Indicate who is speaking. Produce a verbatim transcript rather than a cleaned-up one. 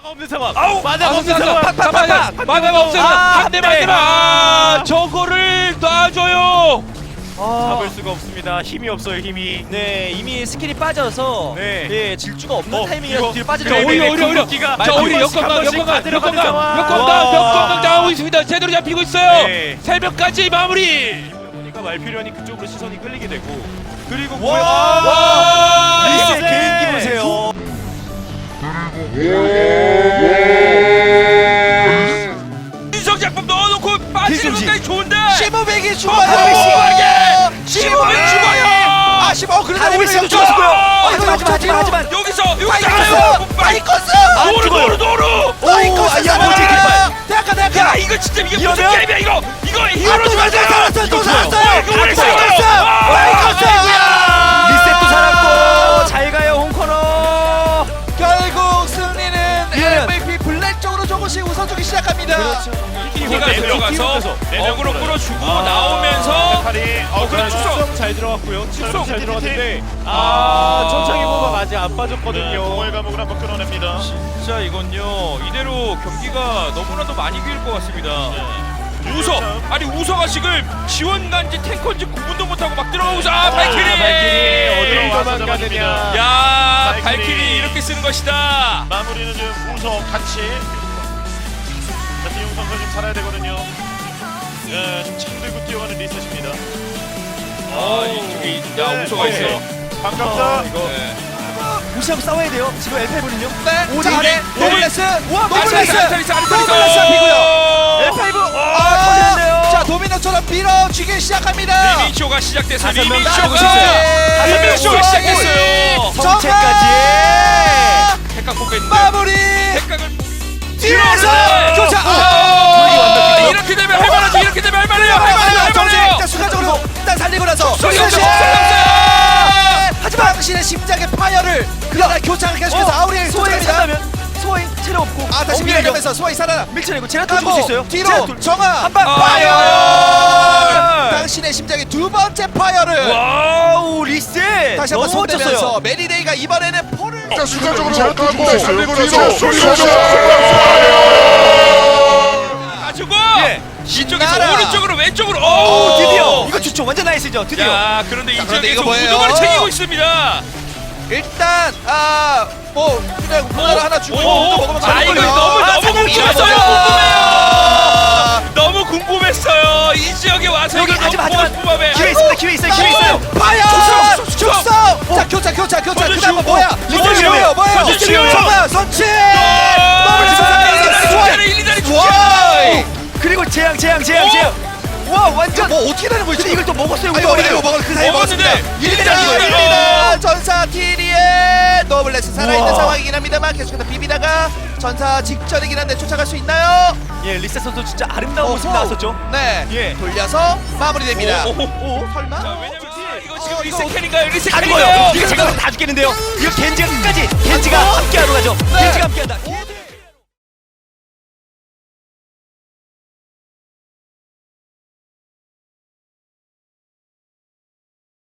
Speaker 1: 마나가 없는 상황.
Speaker 2: 아우!
Speaker 1: 마나가 없는
Speaker 2: 상황.
Speaker 1: 상황.
Speaker 2: 마나가 없어요.
Speaker 1: 아,
Speaker 2: 한 대
Speaker 1: 네.
Speaker 2: 맞으면 아, 저거를 놔줘요.
Speaker 1: 잡을 수가 없습니다. 힘이 없어요. 힘이.
Speaker 3: 네, 이미 스킬이 빠져서
Speaker 1: 네.
Speaker 3: 예, 질주가 없는
Speaker 1: 어,
Speaker 3: 타이밍이라서
Speaker 1: 이거-
Speaker 3: 뒤로 빠지죠.
Speaker 2: 자, 오히려 오히려 오히려.
Speaker 1: 궁극기가
Speaker 2: 자, 오히려
Speaker 1: 한 번씩, 한
Speaker 2: 역광강,
Speaker 1: 번씩
Speaker 2: 역광강,
Speaker 1: 다 들어가는
Speaker 2: 역광강,
Speaker 1: 상황.
Speaker 2: 역광강,
Speaker 1: 와.
Speaker 2: 역광강 당하고 있습니다. 제대로 잡히고 있어요.
Speaker 1: 네.
Speaker 2: 새벽까지 마무리.
Speaker 1: 보니까 말필요하니 그쪽으로 시선이 끌리게 되고. 그리고
Speaker 3: 와!
Speaker 2: 와!
Speaker 3: 리스의
Speaker 1: 리스!
Speaker 3: 개인기 보세요.
Speaker 2: 인성 작품 넣어놓고 빠지는
Speaker 3: 기술지.
Speaker 2: 것까지 좋은데.
Speaker 4: 시무백이
Speaker 2: 어,
Speaker 4: 죽어요.
Speaker 2: 시무백이 죽어요.
Speaker 4: 아 시무 그러다
Speaker 3: 하늘이
Speaker 4: 오히려
Speaker 3: 좀 좋았고요.
Speaker 4: 어,
Speaker 3: 하지만 하지만 하지만 하지만
Speaker 2: 여기서 여기서
Speaker 4: 파이커스 파이커스
Speaker 2: 노루
Speaker 3: 죽어요.
Speaker 2: 노루 노루.
Speaker 4: 파이커스
Speaker 3: 야,
Speaker 4: 살아라.
Speaker 3: 뭐지,
Speaker 4: 대학가
Speaker 2: 야
Speaker 4: 대학가
Speaker 2: 이거 진짜 이게 무슨
Speaker 3: 이러면?
Speaker 2: 게임이야 이거 이거
Speaker 4: 아,
Speaker 2: 히어로
Speaker 4: 또
Speaker 2: 좀
Speaker 4: 살았어요
Speaker 2: 하자.
Speaker 4: 살았어요 또
Speaker 2: 어,
Speaker 4: 살았어요
Speaker 2: 이거 왜
Speaker 4: 파이커스
Speaker 2: 살았어요?
Speaker 4: 파이커스
Speaker 3: 리셋도 살았고 잘 가요 홍코너.
Speaker 4: 결국 승리는
Speaker 3: 이러면-
Speaker 4: 엠브이피 블랙 쪽으로 조금씩 웃어주기 시작합니다
Speaker 2: 키가
Speaker 1: 네 명,
Speaker 2: 들어가서
Speaker 1: 네 명
Speaker 2: 어그로
Speaker 1: 들어가요.
Speaker 2: 끌어주고
Speaker 1: 아,
Speaker 2: 나오면서
Speaker 1: 팔이 어 그래
Speaker 2: 축성.
Speaker 1: 축성 잘 들어갔고요. 축성 잘
Speaker 2: 티티.
Speaker 1: 들어갔는데
Speaker 2: 아.
Speaker 1: 아 천창이 보가 아직 안
Speaker 5: 네,
Speaker 1: 빠졌거든요.
Speaker 5: 공을 감옥을 한번 끊어냅니다.
Speaker 2: 진짜 이건요 이대로 경기가 너무나도 많이 길것 같습니다.
Speaker 5: 네.
Speaker 2: 우서 아니 우서가 지금 지원간지 탱커인지 구분도 못하고 막 들어오자 아, 발키리
Speaker 1: 발키리 어디로
Speaker 5: 네,
Speaker 1: 도망
Speaker 5: 와서
Speaker 1: 가느냐.
Speaker 2: 야
Speaker 5: 발키리.
Speaker 2: 발키리 이렇게 쓰는 것이다.
Speaker 5: 마무리는 지금 우서 같이. 자, 디용 선수 지금 살아야 되거든요. 예, 지금 창 들고 뛰어가는 리셋입니다.
Speaker 2: 아 이쪽에 야
Speaker 5: 네,
Speaker 2: 우서가
Speaker 5: 네.
Speaker 2: 있어요.
Speaker 5: 반갑다.
Speaker 2: 네.
Speaker 3: 무시하고 싸워야 돼요. 지금 엘파이브는요.
Speaker 4: 네, 자,
Speaker 3: 오리,
Speaker 4: 네,
Speaker 3: 오리.
Speaker 4: 노블레스, 와, 노블레스,
Speaker 2: 아리스타리스 아리스타리스
Speaker 4: 노블레스 앞이고요.
Speaker 3: 엘파이브
Speaker 4: 아,
Speaker 3: 아 터졌네요.
Speaker 4: 자, 도미노처럼 밀어주기 시작합니다.
Speaker 2: 리미쇼가 시작됐어요.
Speaker 3: 다섯 명
Speaker 2: 리미쇼가
Speaker 4: 나가고
Speaker 2: 리미쇼가
Speaker 4: 있어요.
Speaker 2: 시작됐어요.
Speaker 3: 성체까지.
Speaker 2: 핵각 뽑겠는데
Speaker 4: 마무리.
Speaker 2: 핵각을
Speaker 4: 뒤에서
Speaker 2: 들어오는데.
Speaker 4: 교차.
Speaker 2: 아, 이렇게 되면 할만하지. 이렇게 되면 할만해요. 할만해요. 할만해요.
Speaker 4: 자, 순간적으로 일단 살리고 나서
Speaker 2: 속성이 없어,
Speaker 4: 슬슬
Speaker 2: 속성이 없어요.
Speaker 4: 하지만 당신의 심장의 파열을 그러나 교차를 계속해서 아우리엘
Speaker 3: 소행
Speaker 4: 쫓아갑니다.
Speaker 3: 산다면 소행 체력 없고.
Speaker 4: 아, 다시
Speaker 3: 엉덩이가
Speaker 4: 밀어가면서 소화이 살아나.
Speaker 3: 밀쳐내고 제가 또 죽을 수
Speaker 4: 하고
Speaker 3: 있어요.
Speaker 4: 뒤로
Speaker 3: 제가 또-
Speaker 4: 정아
Speaker 3: 한방
Speaker 2: 아,
Speaker 4: 파열.
Speaker 2: 파열.
Speaker 4: 당신의 심장의 두 번째 파열을
Speaker 3: 와우 리셋.
Speaker 4: 다시 한번
Speaker 3: 너무
Speaker 4: 손대면서
Speaker 3: 멋졌어요.
Speaker 4: 메리데이가 이번에는 포를
Speaker 5: 일단 순간적으로 제압하고
Speaker 6: 살리고
Speaker 5: 뒤로
Speaker 6: 나서
Speaker 5: 쏠려서
Speaker 2: 가지고
Speaker 3: 예.
Speaker 2: 이쪽에서
Speaker 4: 나라.
Speaker 2: 오른쪽으로 왼쪽으로
Speaker 3: 오
Speaker 2: 오
Speaker 3: 드디어 이거 좋죠. 완전 나이스죠. 드디어.
Speaker 2: 야 그런데 이
Speaker 4: 자, 그런데
Speaker 2: 지역에서
Speaker 4: 이거 뭐예요?
Speaker 2: 우두머리 챙기고 있습니다.
Speaker 4: 일단 아뭐 그냥 문화를 하나 주고
Speaker 2: 오,
Speaker 4: 또 먹으면
Speaker 2: 아 이거
Speaker 4: 되는군요.
Speaker 2: 너무
Speaker 4: 아,
Speaker 2: 너무
Speaker 4: 사장님
Speaker 2: 궁금했어요.
Speaker 4: 죽었어요.
Speaker 2: 궁금해요. 너무 궁금했어요. 이 지역에 와서
Speaker 3: 여기
Speaker 2: 이걸
Speaker 3: 하지만
Speaker 2: 너무
Speaker 3: 하지만
Speaker 2: 궁금해.
Speaker 3: 기회 있습니다. 기회 있어요. 기회 있어요.
Speaker 4: 파열!
Speaker 2: 축성, 축성,
Speaker 4: 축성! 자 교차 교차 교차
Speaker 2: 선제
Speaker 4: 그 다음은
Speaker 2: 치우고,
Speaker 4: 뭐야?
Speaker 2: 선제
Speaker 4: 이거
Speaker 2: 치우고,
Speaker 4: 뭐예요? 뭐예요?
Speaker 2: 선제 치우고.
Speaker 4: 정말 선취!
Speaker 2: 너무
Speaker 4: 집중하면서
Speaker 2: 좋아요. 일, 이 다리
Speaker 4: 와우!
Speaker 2: 좋아요.
Speaker 3: 그리고 재앙 재앙 재앙
Speaker 2: 오!
Speaker 3: 재앙. 와 완전.
Speaker 4: 뭐 어떻게 되는 거지?
Speaker 3: 근데 이걸 또 먹었어요.
Speaker 4: 아니
Speaker 3: 우리
Speaker 4: 이거 먹을 그 사이
Speaker 2: 먹었는데
Speaker 4: 먹었습니다.
Speaker 2: 일, 이
Speaker 4: 일
Speaker 2: 다리
Speaker 4: 위
Speaker 2: 이거예요.
Speaker 4: 일 위다 전사 티리의 노블레스 살아있는
Speaker 3: 우와.
Speaker 4: 상황이긴 합니다만 계속해서 비비다가 전사 직전이긴 한데 쫓아갈 수 있나요?
Speaker 3: 예 리셋 선수 진짜 아름다운 모습
Speaker 4: 어허.
Speaker 3: 나왔었죠.
Speaker 4: 네
Speaker 3: 예.
Speaker 4: 돌려서 마무리됩니다.
Speaker 2: 오, 오,
Speaker 4: 오, 설마?
Speaker 2: 자 왜냐면 이거 지금
Speaker 4: 어,
Speaker 2: 리셋캔인가요?
Speaker 3: 다
Speaker 2: 리셋캔인가요?
Speaker 3: 죽어요. 이거 제가 다 죽겠는데요. 이거 겐지가 끝까지 겐지가 함께하러 가죠.
Speaker 4: 네.
Speaker 3: 겐지가 함께한다.